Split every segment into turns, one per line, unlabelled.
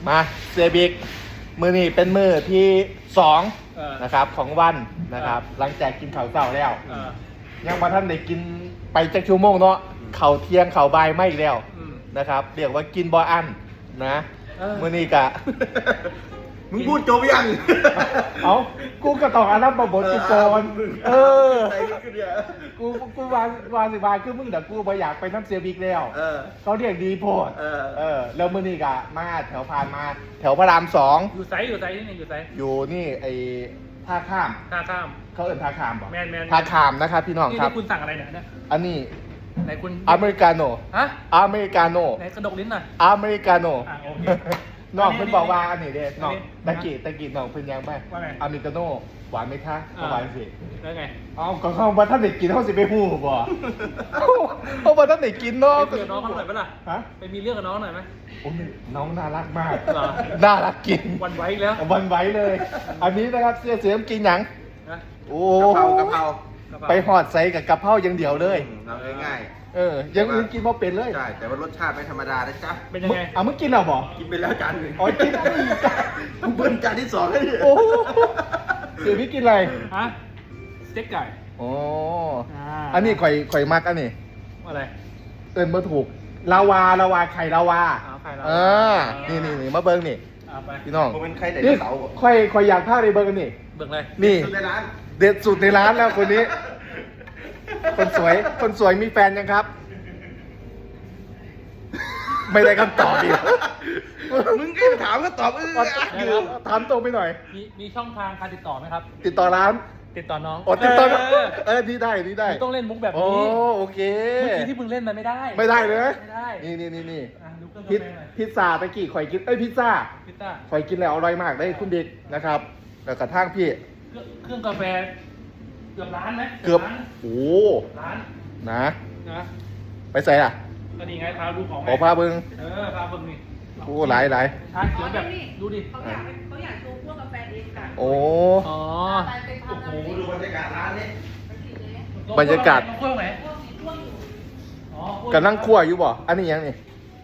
มาเซบิกมือนี่เป็นมือที่2
เออ
นะครับของวันนะครับ หลังจากกินข้าวเช้าแล้ว
เออ
ยังมาท่านได้กินไปจักชั่วโมงเนาะเข่าวเที่ยงเข่าวบ่ายไม่อีกแล้ว
อืม
นะครับเรียกว่ากินบ่อั้นนะ มือนี่กะ
มึงพูดจบยัง
เอากูก็ต้องอารับบทกูก่อนเออ
ใจขึ้นเนี่ย
กูวางสิบาคือมึงแต่กูบ่อยากไปน้ำเสียบิ๊กแล้ว
เออ
เขาเรียกดีโพด
เออ
แล้วมือนี่กะมาแถวพานมา แถวพระราม2
อยู่ไซที่นี่อยู่ไซ
อยู่นี่ไอ้ท่าข้าม
ท่าข้าม
เขาเอิ้นท่าข้ามบ่
แมน
ท่าข้ามนะครับพี่น้อง
นี่
ครับ
คุณสั่งอะไรเนี่ย
อันนี้
ไหนคุณ
อเมริกาโน่
ฮะ
อเมริกาโน่
ไหนกระดกลิ้นหน่อย
อเมริกาโน่
อ่ะโอเค
น้องเพิ่นบอกว่าอันนี้เด้น้อง
อันนี้
ตะกี้น้องเพิ่นยังไหม
ว่าไง
อเมริกาโน่หวานไหมคะก็หวานสิ
แล้วไง
เอาก็เข้ามาท่านเด็กกินเขาสิไปหูบ่เขามาท่านเด็กกินเนาะ
ไปคุยกับน้องเขาหน่อยปะล่ะ
ฮะ
ไปมีเรื่องกับน้องหน่อยไหม
โอ้ยน้องน่ารักมาก
เหรอ
น่ารักกิน
วันไว้อีกแล้ว
วันไหวเลย อันนี้นะครับเสียมกินหยัง
นะ
โอ้
กะเพรากะเพรา
ไปหอดใส่กับกะเพราอย่างเดียวเลย
ทำง่าย
ยังอื่นกินบ่เป็นเลย
ๆใช่แต่ว่ารสชาติไม่ธรรมดานะจ๊ะ
เป็นยังไง
มึงกินแล้วบ่
กินไปแล้วจานหนึ่ง
อ๋อกินแล้วอีก
กูเบิ้ลจานที่2แล้วเนี่ย
โอ้เสียพี่กินอะไร
ฮะสเต็กไก่
อ๋อ
อ่า
อันนี้ข่อยมักอันนี้
อะไร
เอินมาถูกลาวาไข่ลาวา
เอาไข่ลาวา
เออนี่มาเบิ้งนี่
เอาไป
พี่น้อง
ผมเป็นใครแต่
นี่
เสาร์
ค่อยอยากพาไปเบิ้งกันนี่
เบิกเลย
นี่
สุดในร้าน
เด็ดสุดในร้านแล้วคนนี้ คนสวยมีแฟนยังครับ ไม่ได้คำตอบอีก
มึงก็ไปถามก็ตอบอยู่
ถามตรงไปหน่อย
มีช่องทางการติดต่อไหมครับ
ติดต่อร้าน
ติดต่อน้อง
อ๋อติดต่อ
เออ
นี่ได้
มึงต้องเล่นมุกแบบ
โอ้
นี้
โอเค
เมื่อกี้ที่มึงเล่นมันไม่ได้
ไม่ได้เลย
ไม่ได้
นี่
อ่ะดูเครื่อง
พิ
กาแฟหน่อย
พิซซ่าตะกี้ข่อยกินพิซซ่า
พิซซ่า
ข่อยกินแล้วอร่อยมากได้คุณเด็กนะครับแล้วกระทั่งพี่
เครื่องกาแฟเกือบล้านไหม
เกือบ
ล้าน
โอ้
ล้าน
นะ
นะ
ไปใส่อ่ะ
ก็นี่ไงพาดูของ
ขอพาเบิ้ง
พาเบิ่งนี่
โอ้หลาย
ชาเขียวแบบดูดิ
เขาอยากโชว์พวกกาแฟเองค่ะ
โอ้
อ๋อ
ไปทำ
โอ้โหดูบรรยากาศร้านนี้
ไปกินเลย
บรรยากาศ
เครื่องไหน
พวกมีช่วงอยู่
อ๋อ
กำลังคั่วอยู่บ่อันนี้ยังนี่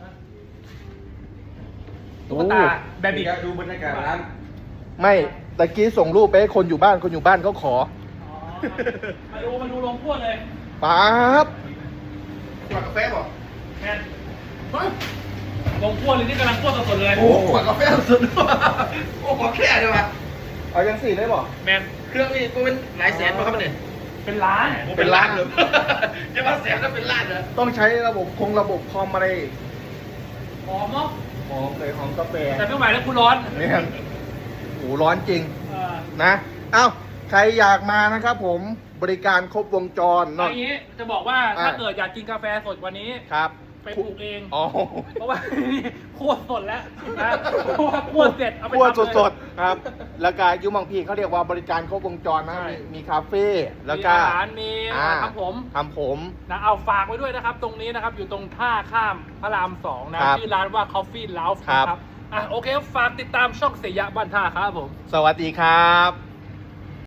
ตุ๊กตาแบบอีก
ดูบรรยากาศร้าน
ไม่ตะกี้ส่งรูปไปให้คนอยู่บ้านเขาขอ
อ๋อมาดูลงพวดเลย
ป๊าบ
ขวดกาแฟบ่
แมนลงพวดเลยนี่กำลังพวดสดๆเลย
โอ้ขวดกาแฟสุดโอ้ขอแค่เดียวอ่ะ
เอายังสี่ได้บ่
แมน
เครื่องนี่กูเป็นหลายแสนป่ะครับเนี่ย
เป็นล้าน
เป็นล้านเลยจะมาแสนแล้วเป็นล้านเหรอ
ต้องใช้ระบบคอมอะไร
หอมเนาะ
หอมเลยหอมกาแฟ
แต่ไม่ไหวแล้วคุณร้อน
เนี่ยโอ้ร้อนจริง
เออ
นะ เอ้า ใครอยากมานะครับผม บริการครบวงจร
เอาอย่างนี้จะบอกว่า
อ่ะ
ถ้าเกิดอยากกินกาแฟสดกว่านี้
ครับ
ไปปลูกเอง
อ๋อ
เพราะว่านี่คั่วสดแล้วนะเพราะว่าคั่วเสร็จเอาไป
คั่ว
ทำเลย
สดๆครับ แล้วก็อยูบางพีเขาเรียกว่าบริการครบวงจรนะ
ใช่
มีคาเฟ่แล้ว
มี
ก็
อาหารมี
อ่า
ทำผม
ทำผม
นะเอาฝากไว้ด้วยนะครับ ตรงนี้นะครับ อยู่ตรงท่าข้ามพระราม2นะครับ ชื่อร้านว่า Coffee Lounge
ครับ
นะครับอ่ะโอเค ฝากติดตามช่องเสียยะบ้านท่าครับผม
สวัสดีครับ